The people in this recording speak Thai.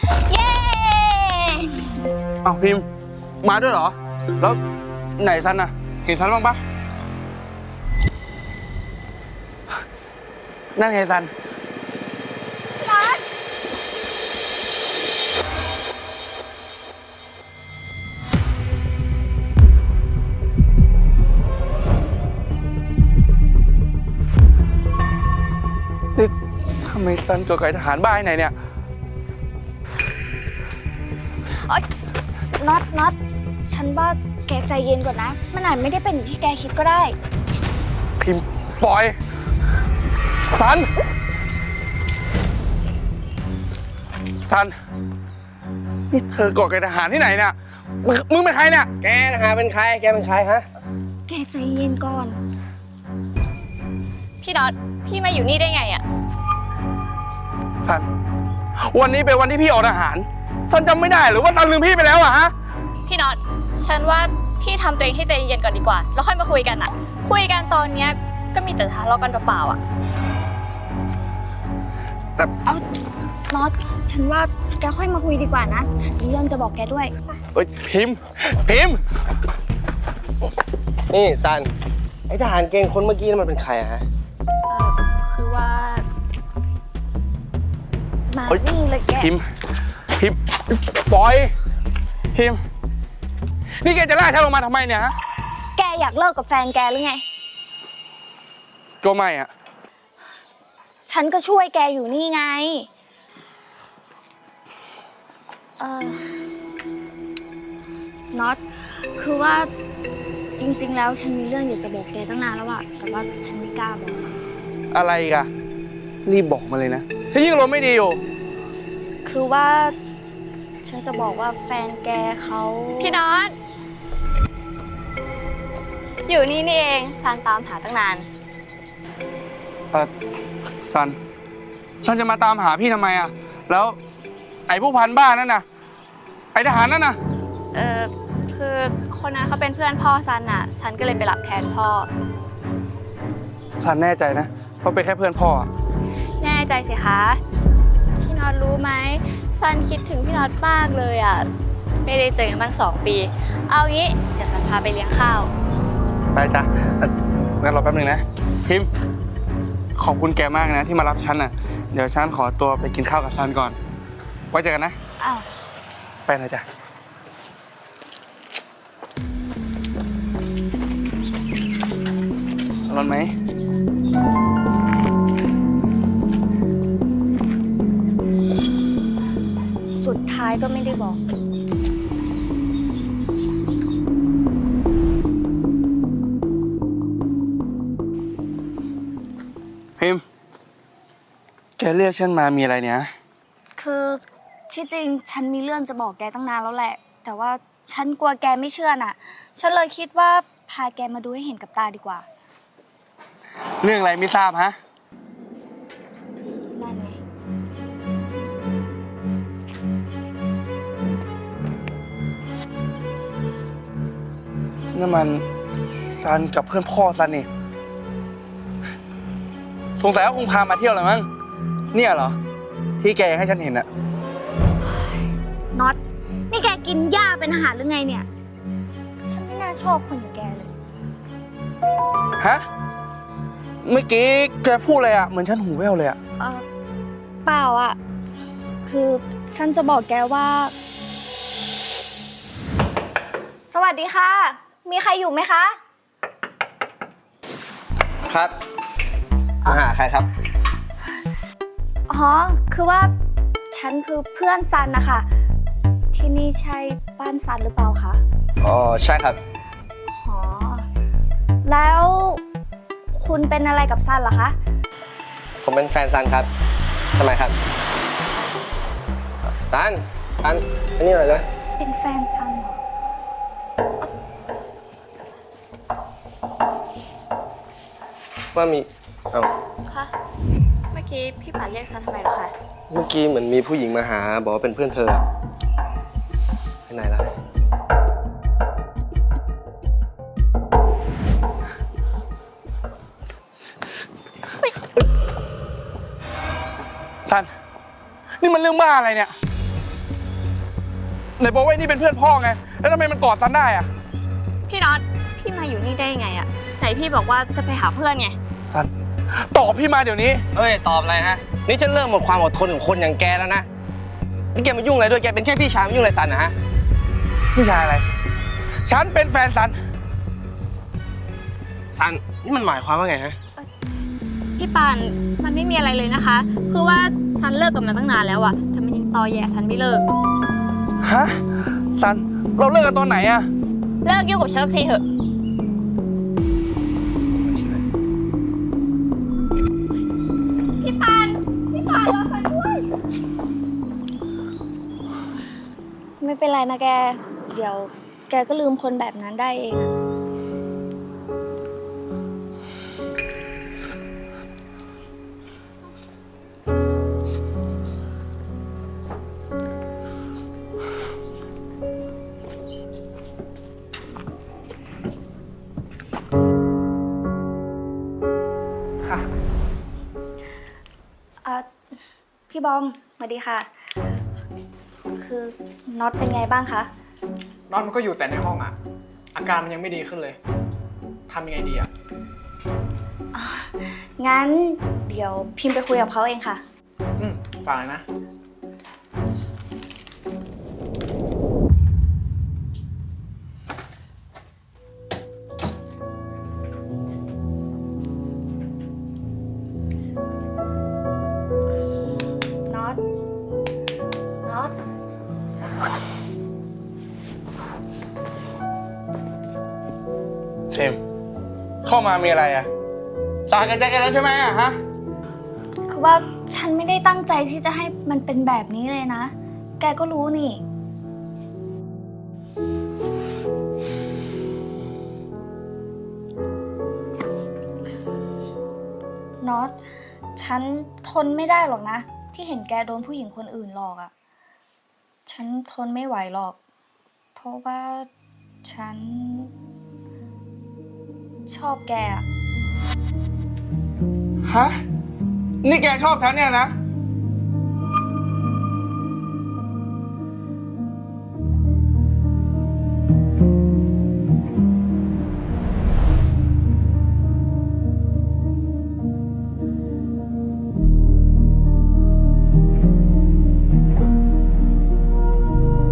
เย้อ้าวพิมพ์มาด้วยเหรอแล้วไหนซันน่ะเห็นซันบ้างปะนั่นไงซันรักนี่ทำไมซันตัวไก่ทหารบ้าไหนเนี่ยน็อตฉันว่าแกใจเย็นก่อนนะมันอาจไม่ได้เป็นอย่างที่แกคิดก็ได้พิมพ์ปล่อยซันนี่เธอก่อไก่ทหารที่ไหนเนี่ยมึงเป็นใครเนี่ยแกทหารเป็นใครแกเป็นใครฮะแกใจเย็นก่อนพี่น็อตพี่มาอยู่นี่ได้ไงอะซันวันนี้เป็นวันที่พี่ออกทหารซันจำไม่ได้หรือว่าซันลืมพี่ไปแล้วอะฮะพี่น็อตฉันว่าพี่ทำตัวเองให้ใจเย็นก่อนดีกว่าแล้วค่อยมาคุยกันอะคุยกันตอนเนี้ยก็มีแต่ทะเลาะกันเปล่าๆอะแต่เอาน็อตฉันว่าแกค่อยมาคุยดีกว่านะฉันมีเรื่องจะบอกแกด้วยเอ้ยพิมพ์นี่ซันไอทหารเกณฑ์คนเมื่อกี้มันเป็นใครฮะคือว่ามานี่เลยแกพิมพ์ปล่อยพิมพ์นี่แกจะล่าฉันลงมาทำไมเนี่ยฮะแกอยากเลิกกับแฟนแกหรือไงก็ไม่อะฉันก็ช่วยแกอยู่นี่ไงน็อตคือว่าจริงๆแล้วฉันมีเรื่องอยากจะบอกแกตั้งนานแล้วอะแต่ว่าฉันไม่กล้าบอกอะไรกันรีบบอกมาเลยนะฉันยิ่งลมไม่ดีอยู่คือว่าฉันจะบอกว่าแฟนแกเขาพี่น็อตอยู่นี่เองซันตามหาตั้งนานซันจะมาตามหาพี่ทำไมอะแล้วไอ้ผู้พันบ้านั่นน่ะไอ้ทหารนั่นน่ะคือคนนั้นเขาเป็นเพื่อนพ่อซันอะซันก็เลยไปรับแทนพ่อซันแน่ใจนะว่าเป็นแค่เพื่อนพ่อแน่ใจสิคะพี่น็อตรู้ไหมซันคิดถึงพี่น็อตมากเลยอะไม่ได้เจอกันตั้ง2 ปีเอางี้เดี๋ยวซันพาไปเลี้ยงข้าวไปจ้ะงั้นรอแป๊บนึงนะพิมพ์ขอบคุณแกมากนะที่มารับฉันน่ะเดี๋ยวฉันขอตัวไปกินข้าวกับซันก่อนไว้เจอกันนะไปนะจ๊ะร้อนไหมสุดท้ายก็ไม่ได้บอกพิมพ์แกเรียกฉันมามีอะไรเนี่ยคือที่จริงฉันมีเรื่องจะบอกแกตั้งนานแล้วแหละแต่ว่าฉันกลัวแกไม่เชื่อน่ะฉันเลยคิดว่าพาแกมาดูให้เห็นกับตาดีกว่าเรื่องอะไรไม่ทราบฮะนั่นไงนั่นมันซันกับเพื่อนพ่อซันนี่สงสัยว่าคงพามาเที่ยวเลยมั้งเนี่ยเหรอที่แกให้ฉันเห็นอะน็อตนี่แกกินหญ้าเป็นอาหารหรือไงเนี่ยฉันไม่น่าชอบคนอย่างแกเลยฮะเมื่อกี้แกพูดอะไรอะเหมือนฉันหูแว่วเลยอะเปล่าอะคือฉันจะบอกแกว่าสวัสดีค่ะมีใครอยู่ไหมคะครับมาหาใครครับอ๋อคือว่าฉันคือเพื่อนซันนะคะที่นี่ใช่บ้านซันหรือเปล่าคะอ๋อใช่ครับอ๋อแล้วคุณเป็นอะไรกับซันเหรอคะผมเป็นแฟนซันครับทำไมครับซันอันนี้หน่อยเลยเป็นแฟนซันเหรอว่ามีค่ะเมื่อกี้พี่ป่าเรียกฉันทำไมเหรอคะเมื่อกี้เหมือนมีผู้หญิงมาหาบอกว่าเป็นเพื่อนเธอไปไหนล่ะซันนี่มันเรื่องบ้าอะไรเนี่ยไหนบอกว่านี่เป็นเพื่อนพ่อไง แล้วทำไมมันกอดซันได้อะพี่น็อตพี่มาอยู่นี่ได้ยังไงอะไหนพี่บอกว่าจะไปหาเพื่อนไงซันตอบพี่มาเดี๋ยวนี้เฮ้ย ตอบอะไรฮะ นี่ฉันเริ่มหมดความอดทนของคนอย่างแกแล้วนะ นี่แกมายุ่งอะไรด้วย แกเป็นแค่พี่ชายมายุ่งอะไรซันนะฮะพี่ชายอะไร ฉันเป็นแฟนซันซัน นี่มันหมายความว่าไงฮะพี่ปานมันไม่มีอะไรเลยนะคะ คือว่าซันเลิกกับมันตั้งนานแล้วอะแต่มันยังตอแยซันไม่เลิกฮะ ซัน เราเลิกกันตอนไหนอะเลิกยุ่งกับฉันสักทีเถอะ พี่ปานรอซันด้วยไม่เป็นไรนะแก เดี๋ยวแกก็ลืมคนแบบนั้นได้เองอะค่ะพี่บอมสวัสดีค่ะ คือน็อตเป็นไงบ้างคะน็อตมันก็อยู่แต่ในห้องอ่ะ อาการมันยังไม่ดีขึ้นเลย ทำยังไงดีอ่ะงั้นเดี๋ยวพิมพ์ไปคุยกับเขาเองค่ะฟังเลยนะน็อต น็อตพิมเข้ามามีอะไรอะสากันใจกันแล้วใช่ไหมอะฮะคือว่าฉันไม่ได้ตั้งใจที่จะให้มันเป็นแบบนี้เลยนะ แกก็รู้นี่ น็อต ฉันทนไม่ได้หรอกนะ ที่เห็นแกโดนผู้หญิงคนอื่นหลอกอะ่ะ ฉันทนไม่ไหวหรอก เพราะว่าฉัน ชอบแกอะฮะ นี่แกชอบฉันเนี่ยนะ